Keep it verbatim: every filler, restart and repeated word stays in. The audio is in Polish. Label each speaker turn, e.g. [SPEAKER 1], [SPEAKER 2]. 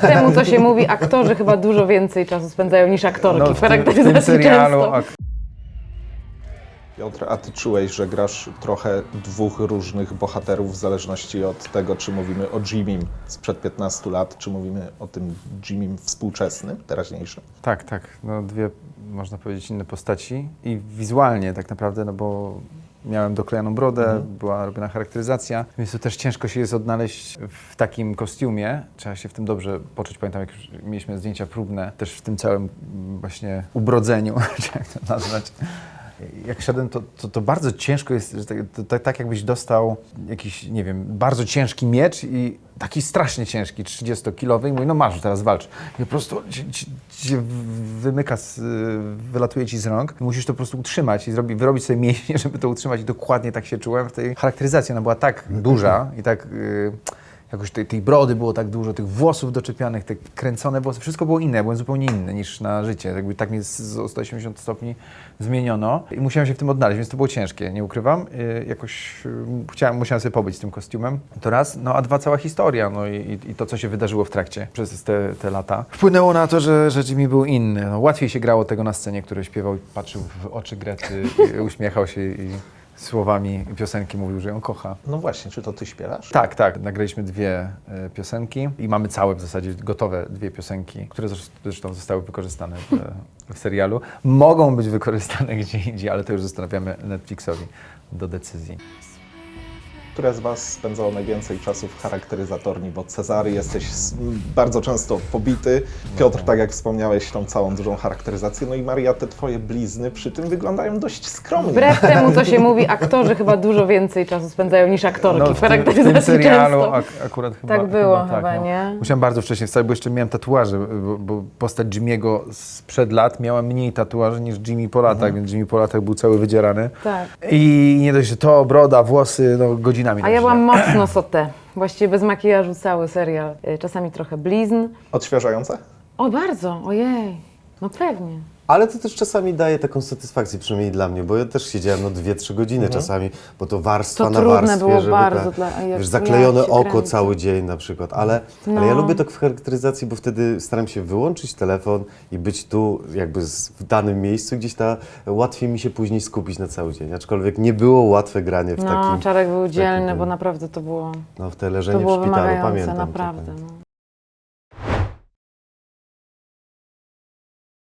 [SPEAKER 1] temu, co się mówi, aktorzy chyba dużo więcej czasu spędzają niż aktorki
[SPEAKER 2] No,
[SPEAKER 1] w
[SPEAKER 2] w tym, w
[SPEAKER 1] charakteryzacji
[SPEAKER 2] tym serialu
[SPEAKER 1] często.
[SPEAKER 2] ak
[SPEAKER 3] Piotr, a ty czułeś, że grasz trochę dwóch różnych bohaterów w zależności od tego, czy mówimy o Jimmym sprzed piętnastu lat, czy mówimy o tym Jimmym współczesnym, teraźniejszym?
[SPEAKER 2] Tak, tak. No, dwie, można powiedzieć, inne postaci i wizualnie tak naprawdę, no bo miałem doklejoną brodę, mhm. była robiona charakteryzacja, więc to też ciężko się jest odnaleźć w takim kostiumie. Trzeba się w tym dobrze poczuć. Pamiętam, jak już mieliśmy zdjęcia próbne, też w tym całym właśnie ubrodzeniu, czy jak to nazwać. Jak szedłem, to, to, to bardzo ciężko jest, że tak, to, to, tak jakbyś dostał jakiś, nie wiem, bardzo ciężki miecz i taki strasznie ciężki, trzydziestokilowy i mówi, no masz, teraz walcz. I po prostu ci, ci, ci wymyka, z, wylatuje ci z rąk i musisz to po prostu utrzymać i zrobi, wyrobić sobie mięśnie, żeby to utrzymać i dokładnie tak się czułem w tej charakteryzacji. Ona była tak duża i tak... Yy, jakoś tej, tej brody było tak dużo, tych włosów doczepianych, te kręcone włosy, wszystko było inne, byłem zupełnie inny niż na życie. Jakby tak mnie z o sto osiemdziesiąt stopni zmieniono i musiałem się w tym odnaleźć, więc to było ciężkie, nie ukrywam. Yy, jakoś yy, chciałem, musiałem sobie pobyć z tym kostiumem. To raz, no a dwa, cała historia, no i, i, i to, co się wydarzyło w trakcie przez te, te lata. Wpłynęło na to, że, że Jimmy był inny. No, łatwiej się grało tego na scenie, który śpiewał, patrzył w oczy Grety, i uśmiechał się i słowami piosenki mówił, że ją kocha.
[SPEAKER 3] No właśnie, czy to ty śpiewasz?
[SPEAKER 2] Tak, tak. Nagraliśmy dwie y, piosenki i mamy całe w zasadzie gotowe dwie piosenki, które zresztą zostały wykorzystane w, w serialu. Mogą być wykorzystane gdzie indziej, ale to już zostawiamy Netflixowi do decyzji.
[SPEAKER 3] Które z was spędzało najwięcej czasu w charakteryzatorni, bo Cezary jesteś bardzo często pobity, Piotr, tak jak wspomniałeś, tą całą dużą charakteryzację, no i Maria, te twoje blizny przy tym wyglądają dość skromnie.
[SPEAKER 1] Wbrew temu, co się mówi, aktorzy chyba dużo więcej czasu spędzają niż aktorki
[SPEAKER 2] No,
[SPEAKER 1] w
[SPEAKER 2] w, tym, w
[SPEAKER 1] charakteryzacji
[SPEAKER 2] tym serialu
[SPEAKER 1] często.
[SPEAKER 2] ak akurat chyba
[SPEAKER 1] Tak było
[SPEAKER 2] chyba,
[SPEAKER 1] chyba,
[SPEAKER 2] tak, no.
[SPEAKER 1] nie?
[SPEAKER 2] Musiałem bardzo wcześnie wstać, bo jeszcze miałem tatuaże, bo, bo postać Jimmy'ego sprzed lat miała mniej tatuaży niż Jimmy po latach,
[SPEAKER 3] Mhm.
[SPEAKER 2] więc Jimmy po latach był cały wydzierany.
[SPEAKER 1] Tak.
[SPEAKER 2] I nie dość, że to, broda, włosy, no godzinami.
[SPEAKER 1] A ja byłam mocno sotę. Właściwie bez makijażu cały serial. Y, Czasami trochę blizn.
[SPEAKER 3] Odświeżające?
[SPEAKER 1] O, bardzo, ojej. No pewnie.
[SPEAKER 4] Ale to też czasami daje taką satysfakcję, przynajmniej dla mnie, bo ja też siedziałem no dwie, trzy godziny czasami, bo to warstwa
[SPEAKER 1] To
[SPEAKER 4] na
[SPEAKER 1] trudne
[SPEAKER 4] warstwie,
[SPEAKER 1] było
[SPEAKER 4] żeby
[SPEAKER 1] bardzo
[SPEAKER 4] ta,
[SPEAKER 1] dla- jak-
[SPEAKER 4] wiesz, zaklejone
[SPEAKER 1] jak się
[SPEAKER 4] oko
[SPEAKER 1] kręci.
[SPEAKER 4] cały dzień na przykład, ale,
[SPEAKER 1] No.
[SPEAKER 4] ale ja lubię tak w charakteryzacji, bo wtedy staram się wyłączyć telefon i być tu jakby z- w danym miejscu, gdzieś ta, łatwiej mi się później skupić na cały dzień, aczkolwiek nie było łatwe granie w
[SPEAKER 1] No,
[SPEAKER 4] takim,
[SPEAKER 1] Czarek był
[SPEAKER 4] takim
[SPEAKER 1] dzielny,
[SPEAKER 4] tym-
[SPEAKER 1] bo naprawdę to było,
[SPEAKER 4] no w te
[SPEAKER 1] to
[SPEAKER 4] leżenie
[SPEAKER 1] było
[SPEAKER 4] w szpitalu,
[SPEAKER 1] wymagające,
[SPEAKER 4] pamiętam. to
[SPEAKER 1] naprawdę.
[SPEAKER 4] pamiętam.
[SPEAKER 1] No.